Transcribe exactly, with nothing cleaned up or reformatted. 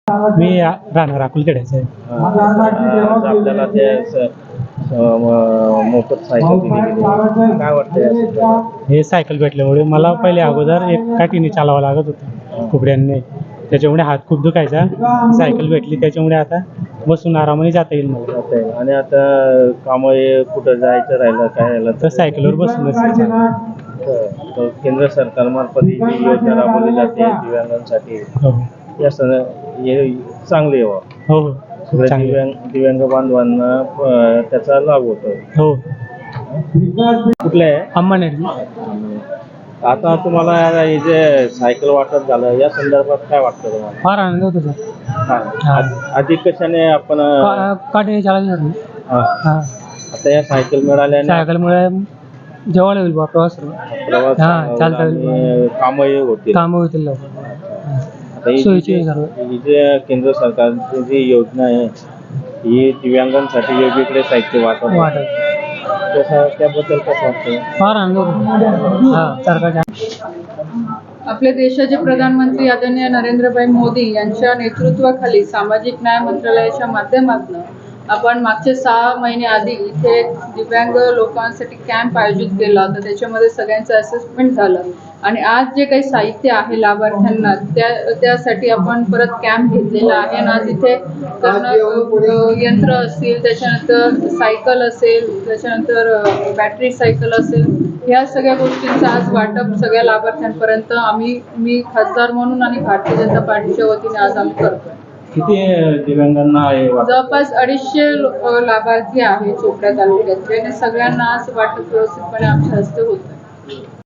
मी आ- राहणार अकोलकड्याचं आहे. आज आपल्याला ते स- स- म- मोफत सायकल दिली गेली. काय वाटतं या संदर्भात? हे सायकल भेटल्यामुळे मला पहिले अगोदर एक काठीने चालावं लागत होतं कुबड्यांनी, त्याच्यामुळे हात खूप दुखायचा. सायकल भेटली त्याच्यामुळे आता बसून आरामाने जाता येईल मला. जाता येईल. आणि आता काम कुठं जायचं राहिलं काय राहिलं तर सायकलवर बसूनच चालतं. तर केंद्र सरकारमार्फत ही जी योजना राबवली जाते दिव्यांगांसाठी, हो या सण हे चांगले व्हावं. हो हो सगळ्या चांगलं. दिव्यांग दिव्यांग बांधवांना अं, त्याचा लाभ होतो. हो कुठले आहे? अंबानेर. आता तुम्हाला हे जे सायकल वाटप झालं या संदर्भात काय वाटतं तुम्हाला? फार आनंद होतो सर. हा. आ- आधी कशाने आपण अं, काठीने चालायचं. हा. हां आता या सायकल मिळाल्याने सायकलमुळे जेवायला होईल बा प्रवास प्रवास हा, चालता येईल. आणि कामही होतील. कामं होतील लवकर. आता ही सोयीची जी- सर्व. ही जे केंद्र सरकारची जी योजना आहे ही दिव्यांगांसाठी वेगवेगळे साहित्य वाटप वाटत त्याचा त्याबद्दल कसं वाटतं? फार आनंद होतो. हां सरकारच्या आपल्या देशाचे प्रधानमंत्री आदरणीय नरेंद्रभाई मोदी यांच्या नेतृत्वाखाली सामाजिक न्याय मंत्रालयाच्या माध्यमातून आपण मागचे सहा महिने आधी इथे एक दिव्यांग लोकांसाठी कॅम्प आयोजित केला होता. त्याच्यामध्ये सगळ्यांचं असेसमेंट झालं आणि आज जे काही साहित्य आहे लाभार्थ्यांना त्या त्यासाठी आपण परत कॅम्प घेतलेला आहे आणि आज इथे करणं यंत्र असतील, त्याच्यानंतर सायकल असेल, त्याच्यानंतर बॅटरी सायकल असेल, ह्या सगळ्या गोष्टींचं आज वाटप सगळ्या लाभार्थ्यांपर्यंत आम्ही मी खासदार म्हणून आणि भारतीय जनता पार्टीच्या वतीने आज आम्ही करतोय. किती दिव्यांगांना आहे वाटप? जवळपास अडीचशे लो- लाभार्थी आहे चोपडा तालुक्यातले आणि सगळ्यांना आज वाटप व्यवस्थितपणे आमच्या हस्ते होत आहे.